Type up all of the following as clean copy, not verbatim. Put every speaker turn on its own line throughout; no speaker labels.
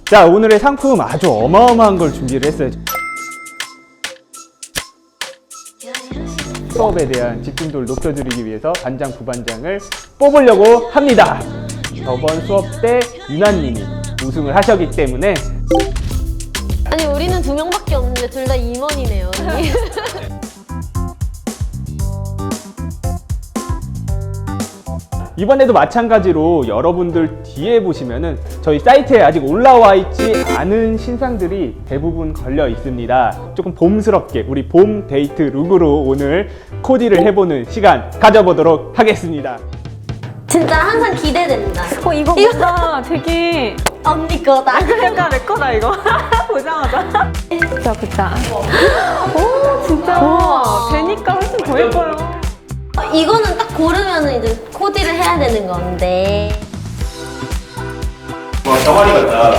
자, 오늘의 상품 아주 어마어마한 걸 준비를 했어요. 수업에 대한 집중도를 높여드리기 위해서 반장, 부반장을 뽑으려고 합니다. 저번 수업 때 유나님이 우승을 하셨기 때문에
아니 우리는 2명밖에 없는데 둘 다 임원이네요. 언니.
이번에도 마찬가지로 여러분들 뒤에 보시면은 저희 사이트에 아직 올라와 있지 않은 신상들이 대부분 걸려 있습니다. 조금 봄스럽게 우리 봄 데이트 룩으로 오늘 코디를 해보는 시간 가져보도록 하겠습니다.
진짜 항상 기대됩니다.
이거 뭔가 되게
언니 거다.
약간 내 거다 이거. 보자마자. 보자. 오 진짜. 되니까 훨씬 더 예뻐요.
이거는 딱 고르면 이제 코디를 해야 되는 건데.
와, 병아리 같다.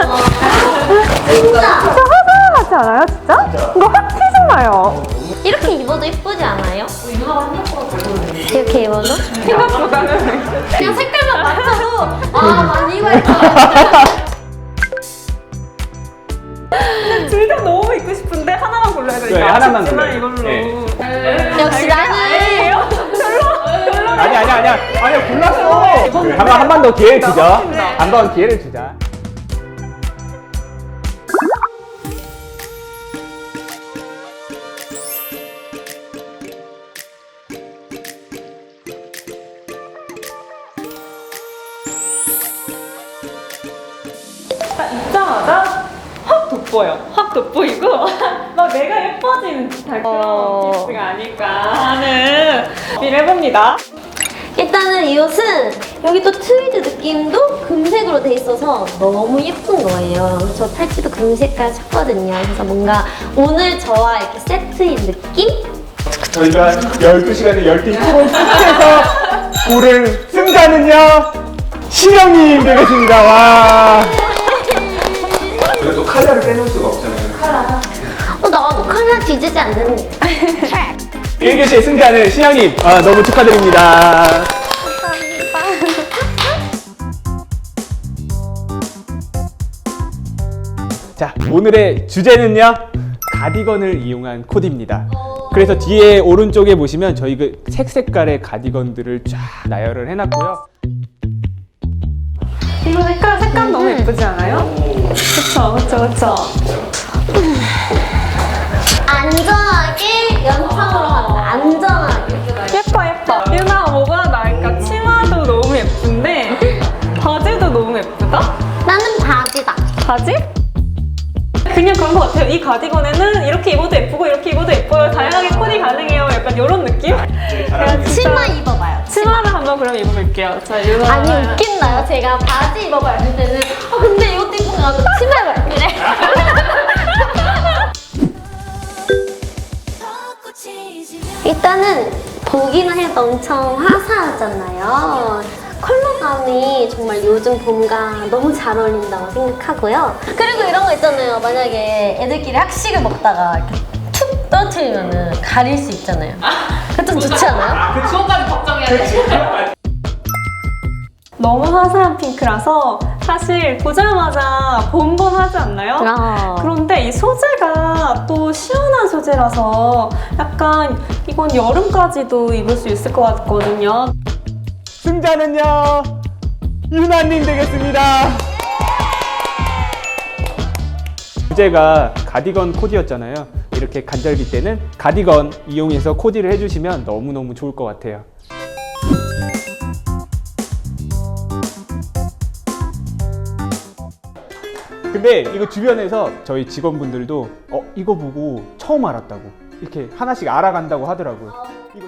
진짜
하지 않아요 진짜? 이거 확 튀잖아요.
이렇게 입어도 예쁘지 않아요? 이렇게 입어도?
생각보다는.
그냥 색깔만 맞춰도 많이 입어야겠다.
둘 다 너무 입고 싶은데 하나만 골라야 되니까.
그래, 하나만
아쉽지만
골라요.
이걸로.
네.
역시 나는
아니야 골랐어. 한 번 더 기회를 주죠. 한 번 기회를 주자.
딱 입자마자 확 돋보여. 확 돋보이고 막 내가 예뻐지는 듯한 그런 피스가 아닐까 하는 준비를 해봅니다.
일단은 이 옷은 여기 또 트위드 느낌도 금색으로 돼 있어서 너무 예쁜 거예요. 저 팔찌도 금색깔 샀거든요. 그래서 뭔가 오늘 저와 이렇게 세트인 느낌?
저희가 12시간에 10팀 프로 끝에서 고를 승자는요 신영님 되겠습니다. 와. 그래도 카라를 빼놓을 수가 없잖아요.
나도 카메라 뒤지지 않는
1교시의 승자는 신영님 너무 축하드립니다. 자, 오늘의 주제는요 가디건을 이용한 코디입니다. 그래서 뒤에 오른쪽에 보시면 저희 그 색깔의 가디건들을 쫙 나열을 해놨고요.
이거 색감 너무 예쁘지 않아요? 그쵸.
안전하게 연상으로 한다. 안전하게.
예뻐. 유나 뭐가 나을까? 치마도 너무 예쁜데 바지도 너무 예쁘다?
나는 바지다.
바지? 그냥 그런 것 같아요. 이 가디건에는 이렇게 입어도 예쁘고 이렇게 입어도 예뻐요. 다양하게 코디 가능해요. 약간 이런 느낌? 제가 진짜
치마 입어봐요.
치마를 한번 그럼 입어볼게요. 자, 유나.
아니 웃긴다요. 제가 바지 입어봐요. 할 때는 근데 이것도 이쁜 거 같아. 치마 입어요. 이래. 일단은 보기는 해도 엄청 화사하잖아요. 컬러감이 정말 요즘 봄과 너무 잘 어울린다고 생각하고요. 그리고 이런 거 있잖아요. 만약에 애들끼리 학식을 먹다가 이렇게 툭 떨어뜨리면 가릴 수 있잖아요. 그거 좀 좋지 않아요?
그거까지 걱정해야 돼.
너무 화사한 핑크라서 사실 보자마자 봄봄하지 않나요? 그런데 이 소재가 또 시원한 소재라서 약간 이건 여름까지도 입을 수 있을 것 같거든요.
승자는요 유나님 되겠습니다. 주제가 가디건 코디였잖아요. 이렇게 간절기 때는 가디건 이용해서 코디를 해주시면 너무너무 좋을 것 같아요. 근데 이거 주변에서 저희 직원분들도 이거 보고 처음 알았다고 이렇게 하나씩 알아간다고 하더라고요. 이거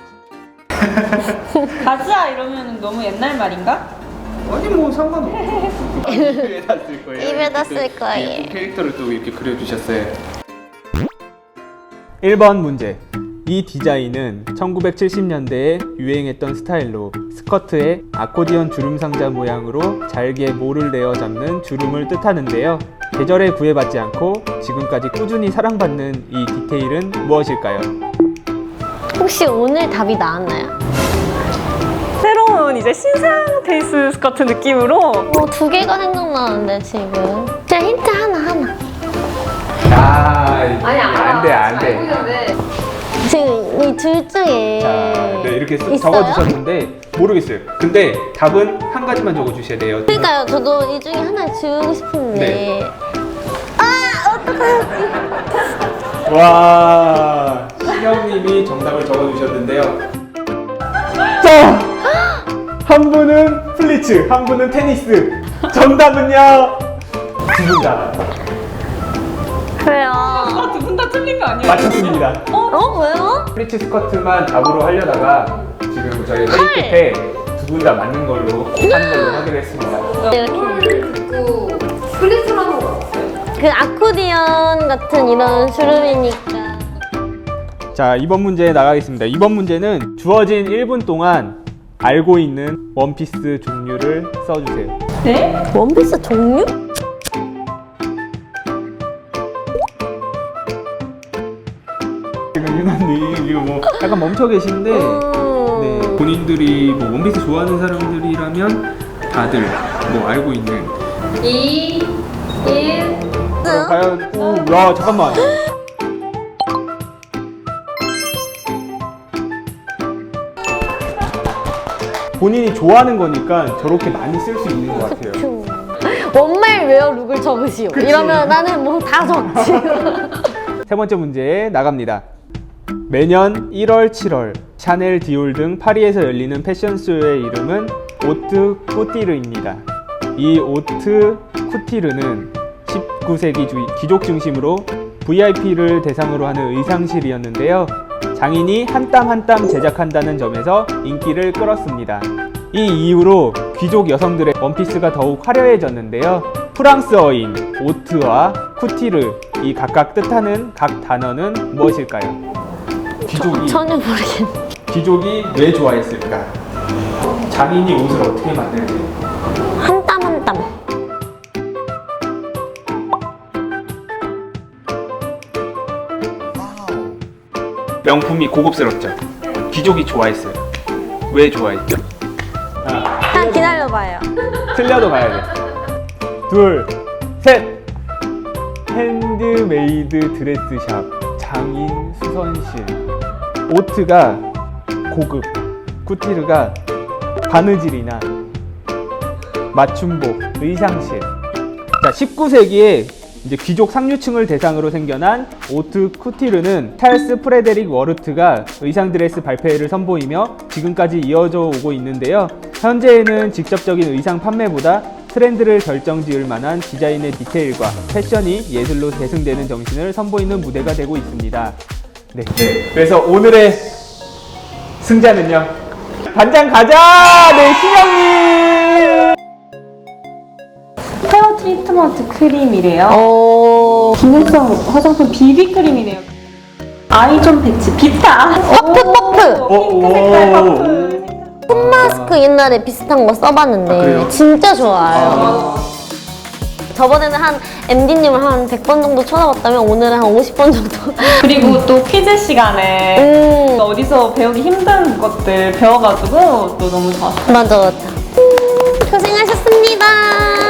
가즈아 이러면 너무 옛날 말인가?
아니 뭐 상관없어. 입에다 쓸 거예요.
입에다 쓸 거예요.
캐릭터를 또 이렇게 그려주셨어요. 1번 문제. 이 디자인은 1970년대에 유행했던 스타일로 스커트에 아코디언 주름 상자 모양으로 잘게 모를 내어 잡는 주름을 뜻하는데요. 계절에 구애받지 않고 지금까지 꾸준히 사랑받는 이 디테일은 무엇일까요?
혹시 오늘 답이 나왔나요?
새로운 이제 신상 베이스 스커트 느낌으로
2개가 생각나는데 지금. 제가
아니
안 돼, 안 돼.
알고 있는데
지금 이 둘 중에
자, 네, 이렇게
있어요?
적어주셨는데 모르겠어요. 근데 답은 한 가지만 적어주셔야 돼요.
그러니까요. 저도 이 중에 하나 지우고 싶은데.
네.
아, 어떡하지?
와, 신영님이 정답을 적어주셨는데요. 자, 한 분은 플리츠, 한 분은 테니스. 정답은요? 두 분 다
왜요?
두 분 다 틀린 거 아니에요?
맞췄습니다.
어, 왜요?
플리츠 스커트만 답으로 하려다가 지금 저희 회의 끝에 두 분 다 맞는 걸로 하는 걸로 하기로 했습니다.
이렇게.
콜을 듣고 플리스라는 거
그 아코디언 같은 이런 주름이니까.
자, 이번 문제 나가겠습니다. 이번 문제는 주어진 1분 동안 알고 있는 원피스 종류를 써주세요.
네?
원피스 종류?
지금 유나님 이거 뭐 약간 멈춰 계신데 네, 본인들이 뭐 원피스 좋아하는 사람들이라면 다들 뭐 알고 있는
2, 1
과연 야 잠깐만 본인이 좋아하는 거니까 저렇게 많이 쓸 수 있는 것 같아요.
그쵸. 원말 웨어 룩을 적으시오.
그치.
이러면 나는 뭐 다 적지.
세 번째 문제 나갑니다. 매년 1월, 7월 샤넬, 디올 등 파리에서 열리는 패션쇼의 이름은 오트 쿠티르입니다. 이 오트 쿠티르는 19세기 귀족 중심으로 VIP를 대상으로 하는 의상실이었는데요. 장인이 한 땀 한 땀 제작한다는 점에서 인기를 끌었습니다. 이 이후로 귀족 여성들의 원피스가 더욱 화려해졌는데요. 프랑스어인 오트와 쿠티르 이 각각 뜻하는 각 단어는 무엇일까요?
전혀 모르겠네.
귀족이 왜 좋아했을까? 장인이 옷을 어떻게 만들지?
한 땀 한 땀.
명품이 고급스럽죠? 귀족이 좋아했어요. 왜 좋아했죠?
한 기다려봐요.
틀려도 가야 돼. 둘, 셋! 핸드메이드 드레스샵 장인 수선실. 오트가 고급, 쿠티르가 바느질이나 맞춤복, 의상실. 자, 19세기에 이제 귀족 상류층을 대상으로 생겨난 오트 쿠티르는 찰스 프레데릭 워르트가 의상 드레스 발표회를 선보이며 지금까지 이어져 오고 있는데요. 현재에는 직접적인 의상 판매보다 트렌드를 결정지을 만한 디자인의 디테일과 패션이 예술로 계승되는 정신을 선보이는 무대가 되고 있습니다. 네. 그래서 오늘의 승자는요. 반장 가자! 네, 신영님!
헤어 트리트먼트 크림이래요.
오.
기능성 화장품 비비크림이네요. 아이존 패치 비타.
퍼프.
핑크 색깔 퍼프.
폼마스크 옛날에 비슷한 거 써봤는데
그래요?
진짜 좋아요. 저번에는 한 MD님을 한 100번 정도 쳐다봤다면 오늘은 한 50번 정도.
그리고 또 퀴즈 시간에 어디서 배우기 힘든 것들 배워가지고 또 너무 좋았어요.
맞아. 고생하셨습니다.